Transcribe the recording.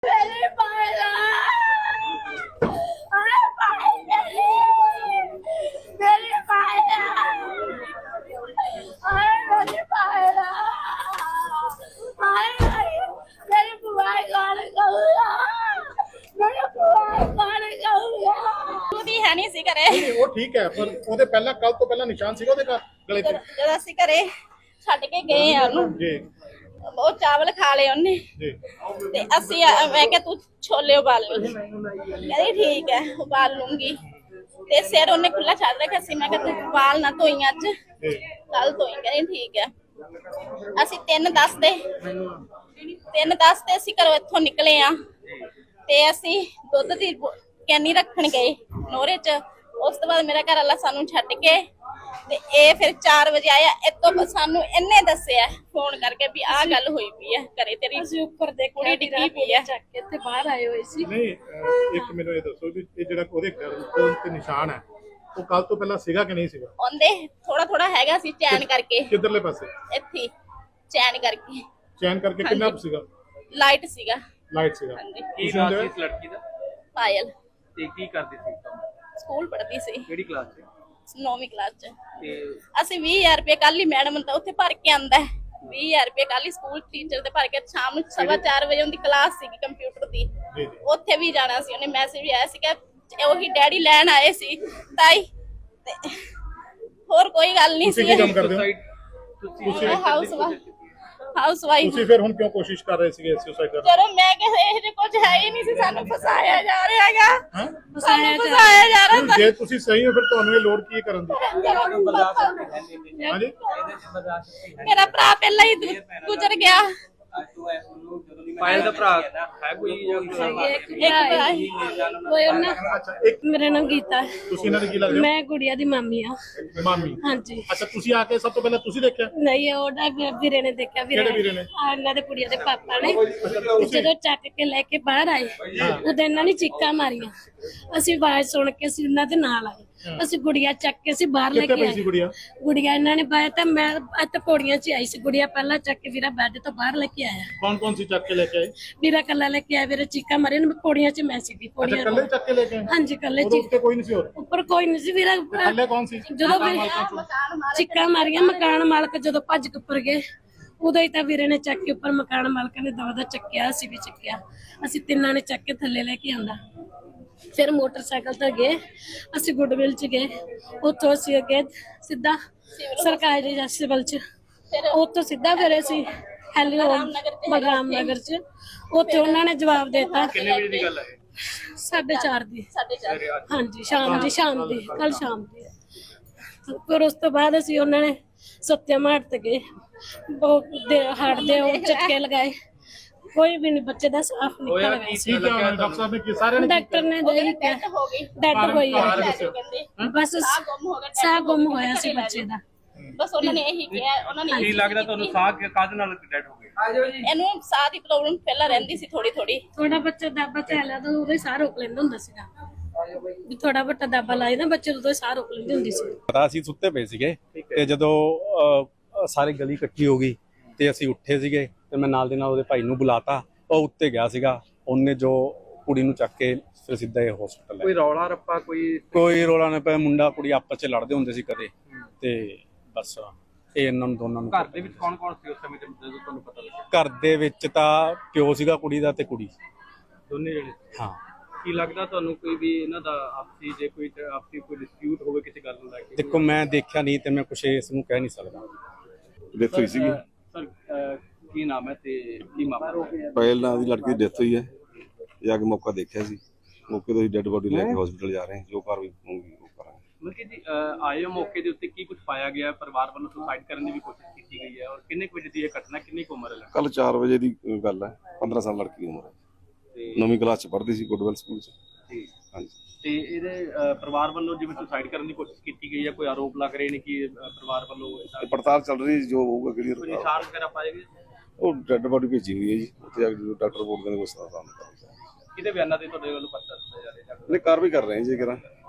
मेरी पायला अरे पायल मेरी पायला अरे मेरी पायला मेरी बुआ कौन कहूँगा मेरी बुआ कौन कहूँगा ਉਹਦੀ ਹੈ ਨਹੀਂ ਸੀ ਘਰੇ। ਨਹੀਂ ਉਹ ਠੀਕ ਹੈ ਪਰ ਉਹਦੇ ਪਹਿਲਾਂ ਕੱਲ ਤੋਂ ਪਹਿਲਾਂ ਨਿਸ਼ਾਨ ਸੀਗਾ ਉਹਦੇ ਗਲੇ ਤੇ ਜਦੋਂ ਅਸੀਂ ਘਰੇ ਛੱਡ ਕੇ ਗਏ ਆ ਉਹਨੂੰ, ਜੀ ਉਹ ਚਾਵਲ ਖਾ ਲਏ ਉਹਨੇ ਜੀ ਤੇ ਅਸੀਂ ਮੈਂ ਕਿਹਾ ਤੂੰ ਛੋਲੇ ਉਬਾਲ ਲਈ, ਕਹਿੰਦੀ ਠੀਕ ਹੈ ਉਬਾਲ ਲੂੰਗੀ। ਤੇ ਸਿਰ ਉਹਨੇ ਖੁੱਲਾ ਛੱਡ ਰੱਖਿਆ ਸੀ, ਮੈਂ ਕਿਹਾ ਤੂੰ ਵਾਲ ਨਾ ਧੋਈ ਅੱਜ, ਜੀ ਕੱਲ ਧੋਈ, ਕਹਿੰਦੀ ਠੀਕ ਹੈ। ਅਸੀਂ 3:10 ਤੇ ਅਸੀਂ ਘਰੋਂ ਇੱਥੋਂ ਨਿਕਲੇ ਆ ਤੇ ਅਸੀਂ ਦੁੱਧ ਦੀ ਕੈਨੀ ਰੱਖਣ ਗਏ ਨੋਰੇ ਚ। ਉਸ ਤੋਂ ਬਾਅਦ ਮੇਰਾ ਘਰ ਵਾਲਾ ਸਾਨੂੰ ਛੱਡ ਕੇ ਤੇ ਇਹ ਫਿਰ 4 ਵਜੇ ਆਇਆ। ਇਤੋਂ ਸਾਨੂੰ ਇਹਨੇ ਦੱਸਿਆ ਫੋਨ ਕਰਕੇ ਵੀ ਆਹ ਗੱਲ ਹੋਈ ਪਈ ਹੈ ਘਰੇ, ਤੇਰੀ ਅਸੀਂ ਉੱਪਰ ਦੇਖਿਆ ਕੁੜੀ ਡਿੱਗੀ ਪਈ ਹੈ। ਚੱਕ ਕੇ ਤੇ ਬਾਹਰ ਆਏ ਹੋਏ ਸੀ। ਨਹੀਂ ਇੱਕ ਮੈਨੂੰ ਇਹ ਦੱਸੋ ਵੀ ਇਹ ਜਿਹੜਾ ਉਹਦੇ ਗਲੇ ਤੇ ਨਿਸ਼ਾਨ ਹੈ ਉਹ ਕੱਲ ਤੋਂ ਪਹਿਲਾਂ ਸੀਗਾ ਕਿ ਨਹੀਂ ਸੀਗਾ? ਉਹਦੇ ਥੋੜਾ ਥੋੜਾ ਹੈਗਾ ਸੀ ਚੈਨ ਕਰਕੇ, ਕਿੱਧਰਲੇ ਪਾਸੇ ਇੱਥੇ ਚੈਨ ਕਰਕੇ, ਚੈਨ ਕਰਕੇ ਕਿੰਨਾ ਕੁ ਸੀਗਾ? ਲਾਈਟ ਸੀਗਾ। ਲਾਈਟ ਸੀਗਾ। ਹਾਂਜੀ ਕੀ ਨਾਮ ਸੀ ਇਸ ਲੜਕੀ ਦਾ ਪਾਇਲ ਤੇ ਕੀ ਕਰਦੀ ਸੀ ਕੰਮ? ਸਕੂਲ ਪੜ੍ਹਦੀ ਸੀ ਕਿਹੜੀ ਕਲਾਸ 'ਚ? 9ਵੀਂ ਕਲਾਸ ਚ। ਤੇ ਅਸੀਂ 20000 ਰੁਪਏ ਕੱਲ ਹੀ ਮੈਡਮ ਤਾਂ ਉੱਥੇ ਭਰ ਕੇ ਆਂਦਾ 20000 ਰੁਪਏ ਕੱਲ ਹੀ ਸਕੂਲ ਟੀਚਰ ਦੇ ਭਰ ਕੇ ਸ਼ਾਮ ਨੂੰ 4:15 ਵਜੇ ਉਹਦੀ ਕਲਾਸ ਸੀਗੀ ਕੰਪਿਊਟਰ ਦੀ, ਜੀ ਜੀ ਉੱਥੇ ਵੀ ਜਾਣਾ ਸੀ। ਉਹਨੇ ਮੈਸੇਜ ਵੀ ਆਇਆ ਸੀ ਕਿ ਉਹੀ ਡੈਡੀ ਲੈਣ ਆਏ ਸੀ ਤਾਈ, ਤੇ ਹੋਰ ਕੋਈ ਗੱਲ ਨਹੀਂ ਤੁਸੀਂ ਸੀ। ਕੀ ਕੰਮ ਕਰਦੇ ਹੋ? ਤੁਸੀਂ ਹਾਊਸ ਵਾਈਫ। ਤੁਸੀਂ ਫਿਰ ਹੁਣ ਕਿਉਂ ਕੋਸ਼ਿਸ਼ ਕਰ ਰਹੇ ਸੀਗੇ ਸੁਸਾਈਡ ਕਰਨ ਚਲੋ ਮੈਂ ਕਿਹਾ ਇਹ ਜੇ ਕੁਝ ਹੈ ਹੀ ਨਹੀਂ ਸੀ, ਸਾਨੂੰ ਫਸਾਇਆ ਜਾ ਰਿਹਾ ਹੈਗਾ, ਹਾਂ? ਸਾਨੂੰ ਫਸਾਇਆ ਜਾ ਰਿਹਾ। ਜੇ ਤੁਸੀਂ ਸਹੀ ਹੋ ਫਿਰ ਤੁਹਾਨੂੰ ਇਹ ਲੋੜ ਕੀ ਹੈ ਕਰਨ ਦੀ? ਹਾਂਜੀ ਮੇਰਾ ਭਰਾ ਪਹਿਲਾਂ ਹੀ ਗੁਜ਼ਰ ਗਿਆ। ਪਾਇਲ ਦਾ ਭਰਾ ਹੈ ਕੋਈ ਜਾਂ ਇੱਕ ਭਰਾ ਹੀ। ਕੋਈ ਉਹਨਾਂ ਅੱਛਾ ਇੱਕ ਮੇਰਾ ਨਾਮ ਗੀਤਾ ਹੈ। ਤੁਸੀਂ ਇਹਨਾਂ ਦੇ ਕੀ ਲੱਗਦੇ ਮੈਂ ਗੁੜੀਆ ਦੀ ਮਾਮੀ ਆ। ਹੋ? ਮਾਮੀ। ਹਾਂਜੀ ਅੱਛਾ ਤੁਸੀਂ ਆ ਕੇ ਸਭ ਤੋਂ ਪਹਿਲਾਂ ਤੁਸੀਂ ਦੇਖਿਆ? ਨਹੀਂ ਉਹਦਾ ਵੀਰੇ ਨੇ ਦੇਖਿਆ। ਕਿਹੜੇ ਵੀਰੇ ਨੇ? ਆਹ ਇਹਨਾਂ ਦੇ ਕੁੜੀਆਂ ਦੇ ਪਾਪਾ ਨੇ ਜਦੋਂ ਚੱਕ ਕੇ ਲੈ ਕੇ ਬਾਹਰ ਆਏ ਉਦੋਂ ਇਹਨਾਂ ਨੇ ਚੀਕਾਂ ਮਾਰੀਆਂ। ਅਸੀਂ ਆਵਾਜ਼ ਸੁਣ ਕੇ ਅਸੀਂ ਉਹਨਾਂ ਦੇ ਨਾਲ ਆਏ। ਅਸੀਂ ਗੁੜੀਆ ਚੱਕ ਕੇ ਅਸੀਂ ਬਾਹਰ ਲੈ ਕਿੱਥੇ ਕੇ ਪਈ ਸੀ ਆਏ। ਗੁੜੀਆ? ਗੁੜੀਆ ਇਹਨਾਂ ਨੇ ਬਾਹਰ ਤਾਂ ਮੈਂ ਇੱਥੇ ਪੌੜੀਆਂ 'ਚ ਆਈ ਸੀ। ਗੁੜੀਆ ਪਹਿਲਾਂ ਚੱਕ ਕੇ ਵੀਰਾ ਬੈੱਡ ਤੋਂ ਬਾਹਰ ਲੈ ਕੇ ਆਇਆ। ਕੌਣ ਕੌਣ ਸੀ ਚੱਕ ਕੇ ਲੈ ਕੇ ਆਏ? ਵੀਰਾ ਕੱਲਾ ਲੈ ਕੇ ਆਇਆ। ਵੀਰੇ ਚੀਕਾਂ ਮਾਰੀਆਂ। ਮੈਂ ਪੌੜੀਆਂ 'ਚ ਮੈਂ ਸੀਗੀ ਅੱਛਾ ਪੌੜੀਆਂ ਕੱਲੇ ਚੱਕ ਕੇ ਲੈ ਕੇ ਆਏ? ਹਾਂਜੀ ਕੱਲੇ ਉਹਦੇ ਚ ਉੱਤੇ ਕੋਈ ਨਹੀਂ ਸੀ ਹੋਰ? ਉੱਪਰ ਕੋਈ ਨਹੀਂ ਸੀ ਵੀਰਾ। ਥੱਲੇ ਕੌਣ ਸੀ? ਜਦੋਂ ਚੀਕਾਂ ਮਾਰੀਆਂ ਮਕਾਨ ਮਾਲਕ ਜਦੋਂ ਭੱਜ ਕੇ ਉੱਪਰ ਗਏ ਉਦੋਂ ਹੀ ਤਾਂ ਵੀਰੇ ਨੇ ਚੱਕ ਕੇ ਉੱਪਰ ਮਕਾਨ ਮਾਲਕ ਨੇ ਦਵਾ ਚੱਕਿਆ। ਅਸੀਂ ਵੀ ਚੱਕਿਆ। ਅਸੀਂ ਤਿੰਨਾਂ ਨੇ ਚੱਕ ਕੇ ਥੱਲੇ ਲੈ ਕੇ ਆਂਦਾ। ਫਿਰ ਮੋਟਰਸਾਈਕਲ ਤੇ ਗਏ ਅਸੀਂ ਗੁੱਡਵਿਲ ਚ ਗਏ। ਉੱਥੋਂ ਅਸੀਂ ਗਏ ਸਿੱਧਾ ਸਰਕਾਰੀ ਸਿਵਲ ਚ। ਉੱਥੋਂ ਸਿੱਧਾ ਫਿਰ ਅਸੀਂ ਬਗਰਾਮ ਨਗਰ ਚ। ਉੱਥੇ ਉਹਨਾਂ ਨੇ ਜਵਾਬ ਦਿੱਤਾ। ਕਿੰਨੇ ਵਜੇ ਦੀ ਗੱਲ ਹੈ? 4:30 ਦੀ। 4:30 ਹਾਂਜੀ ਸ਼ਾਮ ਦੀ ਕੱਲ ਸ਼ਾਮ ਦੀ। ਫਿਰ ਉਸ ਤੋਂ ਬਾਅਦ ਅਸੀਂ ਉਹਨਾਂ ਨੇ ਸੱਤਿਆਮ ਹਾਟ ਤੇ ਗਏ। ਹਾਟ ਦੇ ਉਹ ਝਟਕੇ ਲਗਾਏ। ਕੋਈ ਵੀ ਨਹੀਂ ਬੱਚੇ ਦਾ ਸਾਫ ਨਿਕਲ ਗਿਆ ਸੀ। ਠੀਕ ਹੈ ਡਾਕਟਰ ਸਾਹਿਬ ਨੇ ਕੀ ਸਾਰਿਆਂ ਨੇ ਡਾਕਟਰ ਨੇ ਦੇਖ ਕੇ ਹੋ ਗਈ ਡੈਡ ਹੋਈ ਹੈ। ਕਹਿੰਦੇ ਬਸ ਗੁੰਮ ਹੋ ਗਿਆ, ਸਾਹ ਗੁੰਮ ਹੋਇਆ ਸੀ ਬੱਚੇ ਦਾ। ਬਸ ਉਹਨਾਂ ਨੇ ਇਹੀ ਕਿਹਾ। ਉਹਨਾਂ ਨੇ ਕੀ ਲੱਗਦਾ ਤੁਹਾਨੂੰ ਸਾਹ ਕਾਹਦੇ ਨਾਲ ਡੈਡ ਹੋ ਗਏ? ਇਹਨੂੰ ਸਾਹ ਦੀ ਪ੍ਰੋਬਲਮ ਪਹਿਲਾਂ ਰਹਿੰਦੀ ਸੀ ਥੋੜੀ ਥੋੜੀ। ਥੋੜਾ ਬੱਚਾ ਦਾਬਾ ਚੱਲਿਆ ਤਾਂ ਉਹਦੇ ਸਾਹ ਰੋਕ ਲੈਂਦਾ ਹੁੰਦਾ ਸੀਗਾ। ਵੀ ਥੋੜਾ ਵੱਟਾ ਦਾਬਾ ਲਾਏ ਨਾ ਬੱਚੇ ਉਦੋਂ ਸਾਹ ਰੋਕ ਲੈਂਦੀ ਹੁੰਦੀ ਸੀ। ਪਤਾ ਅਸੀਂ ਸੁੱਤੇ ਪਏ ਸੀਗੇ ਤੇ ਜਦੋਂ ਸਾਰੀ ਗਲੀ ਇਕੱਠੀ ਹੋ ਗਈ ਤੇ ਅਸੀਂ ਉੱਠੇ ਸੀਗੇ ਤੇ ਮੈਂ ਨਾਲ ਦੇ ਨਾਲ ਉਹਦੇ ਭਾਈ ਨੂੰ ਬੁਲਾਤਾ। ਉਹ ਉੱਤੇ ਗਿਆ ਸੀਗਾ। ਉਹਨੇ ਜੋ ਕੁੜੀ ਨੂੰ ਚੱਕ ਕੇ ਫਿਰ ਸਿੱਧਾ ਇਹ ਹਸਪੀਟਲ ਲੈ ਕੋਈ ਰੌਲਾ ਰੱਪਾ ਕੋਈ ਰੋਲਾ ਨਹੀਂ ਪਿਆ। ਮੁੰਡਾ ਕੁੜੀ ਆਪਸ ਚ ਲੜਦੇ ਹੁੰਦੇ ਸੀ ਕਦੇ ਤੇ ਬਸ ਇਹ ਇਹਨਾਂ ਨੂੰ ਦੋਨਾਂ ਨੂੰ ਘਰ ਦੇ ਵਿੱਚ ਕੌਣ ਕੌਣ ਸੀ ਉਸ ਸਮੇਂ ਤੇ ਜਦੋਂ ਤੁਹਾਨੂੰ ਪਤਾ ਲੱਗਿਆ? ਘਰ ਦੇ ਵਿੱਚ ਤਾਂ ਪਿਓ ਸੀਗਾ ਕੁੜੀ ਦਾ ਤੇ ਕੁੜੀ। ਦੋਨੇ ਜਣੇ? ਹਾਂ। ਕੀ ਲੱਗਦਾ ਤੁਹਾਨੂੰ ਕੋਈ ਵੀ ਇਹਨਾਂ ਦਾ ਆਪਸੀ ਜੇ ਕੋਈ ਆਪਸੀ ਕੋਈ ਡਿਸਪਿਊਟ ਹੋਵੇ ਕਿਸੇ ਗੱਲ ਨੂੰ ਲੈ ਕੇ? ਦੇਖੋ ਮੈਂ ਦੇਖਿਆ ਨਹੀਂ ਤੇ ਮੈਂ ਕੁਛ ਇਸ ਨੂੰ ਕਹਿ ਨਹੀਂ ਸਕਦਾ। ਡੈਥ ਹੋਈ ਸੀਗੀ। ਸਰ ਕੀ ਨਾਮ ਹੈ ਤੇ ਕੀ ਮਾਮਲਾ? ਪਾਇਲ ਨਾਂ ਦੀ ਲੜਕੀ ਦੀ ਡੈਥ ਹੋਈ ਹੈ। ਜਾ ਕੇ ਮੌਕਾ ਦੇਖਿਆ ਸੀ। ਮੌਕੇ ਤੋਂ ਹੀ ਡੈੱਡ ਬੋਡੀ ਲੈ ਕੇ ਹਸਪੀਟਲ ਜਾ ਰਹੇ ਹਾਂ। ਜੋ ਕਾਰਵਾਈ ਹੋਊਗੀ ਉਹ ਕਰਾਂਗੇ। ਮਤਲਬ ਜੀ ਆਏ ਮੌਕੇ ਦੇ ਉੱਤੇ ਕੀ ਕੁਝ ਪਾਇਆ ਗਿਆ? ਪਰਿਵਾਰ ਵੱਲੋਂ ਸੁਸਾਈਡ ਕਰਨ ਦੀ ਵੀ ਕੋਸ਼ਿਸ਼ ਕੀਤੀ ਗਈ ਹੈ ਔਰ ਕਿੰਨੇ ਕੁ ਵਜੇ ਦੀ ਇਹ ਘਟਨਾ, ਕਿੰਨੀ ਕੁ ਉਮਰ ਹੈ? ਕੱਲ 4 ਵਜੇ ਦੀ ਗੱਲ ਹੈ। 15 ਸਾਲ ਲੜਕੀ ਦੀ ਉਮਰ ਹੈ। ਤੇ 9ਵੀਂ ਕਲਾਸ ਚ ਪੜ੍ਹਦੀ ਸੀ ਗੁੱਡਵੈਲ ਸਕੂਲ ਚ। ਜੀ। ਹਾਂਜੀ। ਤੇ ਇਹਦੇ ਪਰਿਵਾਰ ਵੱਲੋਂ ਜਿਵੇਂ ਸੁਸਾਈਡ ਕਰਨ ਦੀ ਕੋਸ਼ਿਸ਼ ਕੀਤੀ ਗਈ ਹੈ, ਕੋਈ ਆਰੋਪ ਲੱਗ ਰਹੇ ਨੇ ਕਿ ਪਰਿਵਾਰ ਵੱਲੋਂ ਤੇ ਪੜਤਾਲ ਚੱਲ ਰਹੀ ਜੋ ਹੋਊਗਾ ਕੋਈ ਕਿਹੜੀ ਨਿਸ਼ਾਨ ਵਗੈਰਾ ਪਾਏ ਗਏ? ਉਹ ਡੈੱਡ ਬੋਡੀ ਭੇਜੀ ਹੋਈ ਹੈ ਜੀ। ਉੱਥੇ ਜਾ ਕੇ ਜਦੋਂ ਡਾਕਟਰ ਰਿਪੋਰਟ ਦੇਣਗੇ ਉਸ ਦਾ ਸਾਹਮਣੇ ਕਰਾਂਗੇ। ਕਿਹਦੇ ਬਿਆਨਾਂ ਤੇ ਤੁਹਾਡੇ ਵੱਲੋਂ ਪਰਚਾ ਦਿੱਤਾ ਜਾ ਰਿਹਾ? ਨਹੀਂ ਕਾਰਵਾਈ ਕਰ ਰਹੇ ਹਾਂ ਜੀ ਕਰਾਂ।